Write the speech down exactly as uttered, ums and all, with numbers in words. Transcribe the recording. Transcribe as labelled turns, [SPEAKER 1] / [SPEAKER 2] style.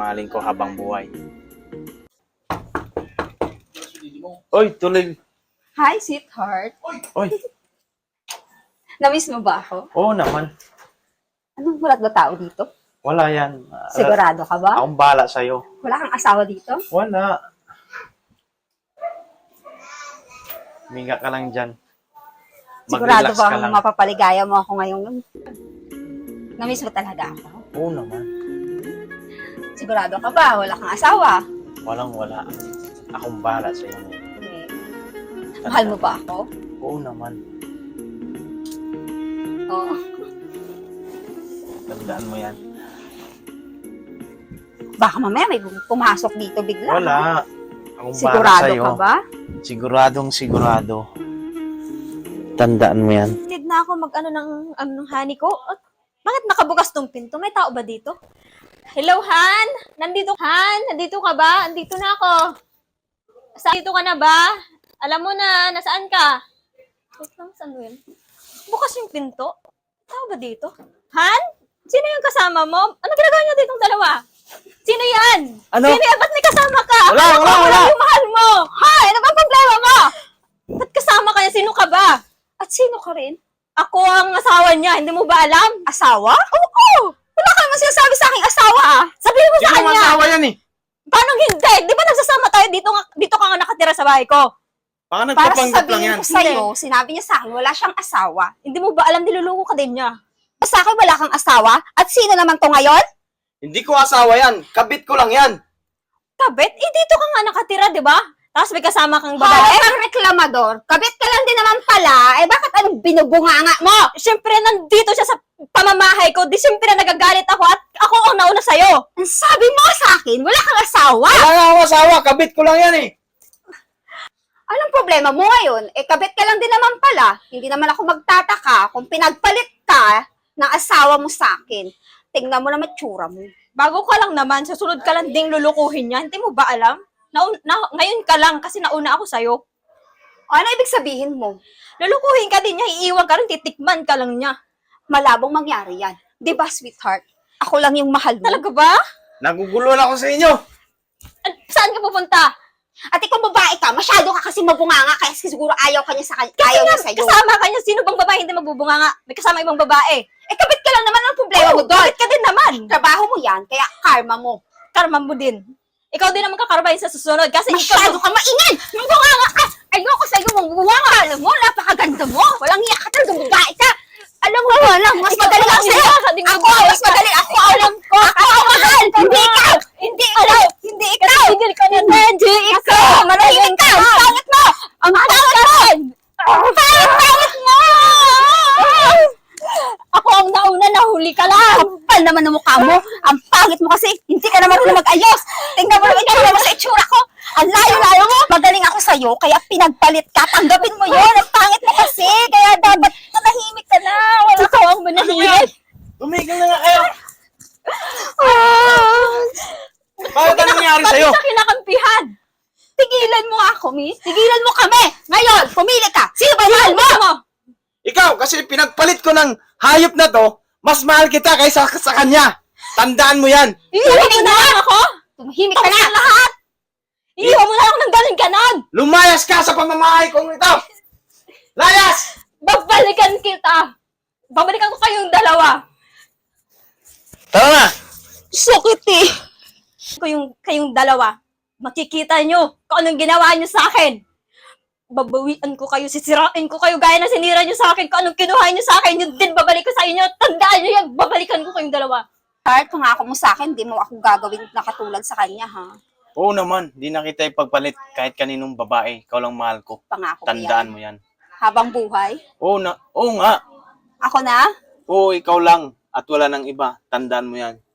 [SPEAKER 1] mamahalin ko habang buhay. Oy, tuloy.
[SPEAKER 2] Hi, sweetheart.
[SPEAKER 1] Oy,
[SPEAKER 2] Namiss mo ba ako?
[SPEAKER 1] oo naman.
[SPEAKER 2] Anong walat ba tao dito?
[SPEAKER 1] Wala yan. Ah,
[SPEAKER 2] Sigurado ka ba?
[SPEAKER 1] Akong bahala sa'yo.
[SPEAKER 2] Wala kang asawa dito?
[SPEAKER 1] Wala. Minga ka lang dyan.
[SPEAKER 2] Sigurado
[SPEAKER 1] Mag-relax ka
[SPEAKER 2] bang
[SPEAKER 1] lang.
[SPEAKER 2] mapapaligaya mo ako ngayong... Namiss mo talaga ako?
[SPEAKER 1] Oo naman.
[SPEAKER 2] Sigurado ka ba? Wala kang asawa?
[SPEAKER 1] Walang wala. Akong bahala sa'yo.
[SPEAKER 2] Okay. Mahal mo ba ako?
[SPEAKER 1] Oo naman.
[SPEAKER 2] Oo.
[SPEAKER 1] Tandaan mo yan.
[SPEAKER 2] Baka mamaya may pumasok dito bigla.
[SPEAKER 1] Wala. Akong bahala
[SPEAKER 2] Sigurado
[SPEAKER 1] sa'yo.
[SPEAKER 2] ka ba?
[SPEAKER 1] Siguradong sigurado. Tandaan mo yan.
[SPEAKER 3] Tid na ako mag-ano ng, ano, ng honey ko. At, bakit nakabukas tong pinto? May tao ba dito? Hello, Han? Nandito, Han? Nandito ka ba? Nandito na ako. Sa dito ka na ba? Alam mo na, nasaan ka? Wait lang, saan yun? Bukas yung pinto? Tao ba dito? Han? Sino yung kasama mo? Ano ginagawa niyo ditong dalawa? Sino yan?
[SPEAKER 1] Ano?
[SPEAKER 3] Sino yan? Ba't may kasama ka?
[SPEAKER 1] Wala,
[SPEAKER 3] Akala ko
[SPEAKER 1] wala,
[SPEAKER 3] ako
[SPEAKER 1] wala.
[SPEAKER 3] lang yung mahal mo. Hay, ano bang problema mo? Ba't kasama ka niya? Sino ka ba?
[SPEAKER 2] At sino ka rin?
[SPEAKER 3] Ako ang asawa niya, hindi mo ba alam?
[SPEAKER 2] Asawa? Oo! Wala ka naman sinasabi sa aking asawa ah!
[SPEAKER 3] Sabihin mo
[SPEAKER 1] Hindi
[SPEAKER 3] sa
[SPEAKER 1] mo
[SPEAKER 3] kanya.
[SPEAKER 1] asawa yan eh.
[SPEAKER 3] Paano hindi? Di ba nagsasama tayo dito, nga, dito ka nga nakatira sa bahay ko?
[SPEAKER 1] Baka
[SPEAKER 2] Para
[SPEAKER 1] nagpapanggap lang
[SPEAKER 2] sasabihin
[SPEAKER 1] yan.
[SPEAKER 2] ko sa'yo, sinabi niya sa akin, wala siyang asawa.
[SPEAKER 3] Hindi mo ba alam, niluluko ka din niya?
[SPEAKER 2] Sa akin, wala kang asawa? At sino naman to ngayon?
[SPEAKER 1] Hindi ko asawa yan. Kabit ko lang yan.
[SPEAKER 3] Kabit? Eh, dito ka nga nakatira, di ba? Tapos may kasama kang
[SPEAKER 2] Babae
[SPEAKER 3] babae.
[SPEAKER 2] kang reklamador. Kabit ka lang din naman pala. Eh bakit anong binubunganga mo?
[SPEAKER 3] Siyempre, nandito siya sa pamamahay ko. Di siyempre nagagalit ako at ako ang nauna sa'yo.
[SPEAKER 2] Ang sabi mo sa akin, wala kang asawa.
[SPEAKER 1] Wala nga akong asawa. Kabit ko lang yan eh.
[SPEAKER 2] Anong problema mo ngayon? Eh kabit ka lang din naman pala. Hindi naman ako magtataka kung pinagpalit ka ng asawa mo sa akin. Tingnan mo naman tsura mo.
[SPEAKER 3] Bago ka lang naman, susunod ka lang ding lulukuhin niya. Hindi mo ba alam? Naun- na- ngayon ka lang kasi nauna ako sa'yo.
[SPEAKER 2] Ano ibig sabihin mo?
[SPEAKER 3] Lulukuhin ka din niya, iiwan ka rin, titikman ka lang niya.
[SPEAKER 2] Malabong mangyari yan. Di ba, sweetheart? Ako lang yung mahal mo.
[SPEAKER 3] Talaga ba?
[SPEAKER 1] Nagugulo na ako sa inyo.
[SPEAKER 3] An- Saan ka pupunta?
[SPEAKER 2] At ikaw babae ka, masyado ka kasi mabunganga kaya siguro ayaw ka niya sa kanya, ayaw niya sa'yo.
[SPEAKER 3] Kasama ka niya, sino bang babae hindi magbubunga nga? May kasama ibang babae.
[SPEAKER 2] Eh kabit ka lang naman, ang problema mo doon.
[SPEAKER 3] Bakit ka din naman?
[SPEAKER 2] Trabaho mo yan, kaya karma mo.
[SPEAKER 3] Karma mo din. Ikaw din naman kakarbahin sa susunod kasi
[SPEAKER 2] Masyado
[SPEAKER 3] ikaw...
[SPEAKER 2] ka maingay! Mabunganga ka! Ayoko sa'yo, mabunganga! Alam mo, napakaganda mo! Walang hiya ka talaga, babae ka! Alam mo, wala, mas
[SPEAKER 3] Ikaw
[SPEAKER 2] magaling ako
[SPEAKER 3] walang
[SPEAKER 2] sa'yo!
[SPEAKER 3] hiya ka ding
[SPEAKER 2] Ako,
[SPEAKER 3] babae
[SPEAKER 2] mas
[SPEAKER 3] ka.
[SPEAKER 2] magaling! Ako, alam ko! Ako ang mahal! Hindi ikaw! Hindi ikaw! Hindi ikaw!
[SPEAKER 3] Tigil ka na.
[SPEAKER 2] Hindi ikaw! Manahimik ka! Ang pangit mo! Ang pangit mo! Ang pangit mo!
[SPEAKER 3] Ako ang nauna, nahuli ka lang.
[SPEAKER 2] Kapal naman ang mukha mo. Ang pangit mo kasi. Hindi ka naman marunong mag-ayos. Tingnan mo naman itsura mo sa itsura ko. Ang layo-layo mo. Magaling ako sa'yo, kaya pinagpalit ka. Tanggapin mo yun. Ang pangit mo kasi. Kaya dapat manahimik ka na. Wala
[SPEAKER 3] Ikaw ang manahimik.
[SPEAKER 1] Tumigil na nga kayo.
[SPEAKER 2] Ah.
[SPEAKER 1] Bakit ano nangyari sa'yo?
[SPEAKER 3] Bakit ka kinakampihan?
[SPEAKER 2] Tigilan mo nga ako, miss. Tigilan mo kami. Ngayon, pumili ka. Sino ba mahal mo?
[SPEAKER 3] Mo.
[SPEAKER 1] Ikaw, kasi pinagpalit ko ng hayop na to, mas mahal kita kaysa sa kanya. Tandaan mo yan.
[SPEAKER 3] Iiwan mo na lang ako?
[SPEAKER 2] Tumahimik ka na.
[SPEAKER 3] lahat. Iiwan mo na lang ng galing ganon.
[SPEAKER 1] Lumayas ka sa pamamahay kong ito. Layas!
[SPEAKER 3] Babalikan kita. Babalikan ko kayong dalawa.
[SPEAKER 1] Tara na.
[SPEAKER 3] Sakit eh. Kayong, kayong dalawa, makikita nyo kung anong ginawa nyo sa akin. Babawian ko kayo, sisirain ko kayo gaya na sinira nyo sa akin. Kung anong kinuha nyo sa akin, yun din babalik ko sa inyo. Tandaan nyo yan, babalikan ko kayong dalawa.
[SPEAKER 2] Heart, pangako mo sa akin, di mo ako gagawin na katulad sa kanya, ha?
[SPEAKER 1] Oo naman, di na kita ipagpalit kahit kaninong babae. Ikaw lang mahal ko.
[SPEAKER 2] Pangako mo
[SPEAKER 1] Tandaan
[SPEAKER 2] yan.
[SPEAKER 1] mo yan.
[SPEAKER 2] Habang buhay.
[SPEAKER 1] Oo na, oo nga.
[SPEAKER 2] Ako na?
[SPEAKER 1] Oo, ikaw lang. At wala nang iba. Tandaan mo yan.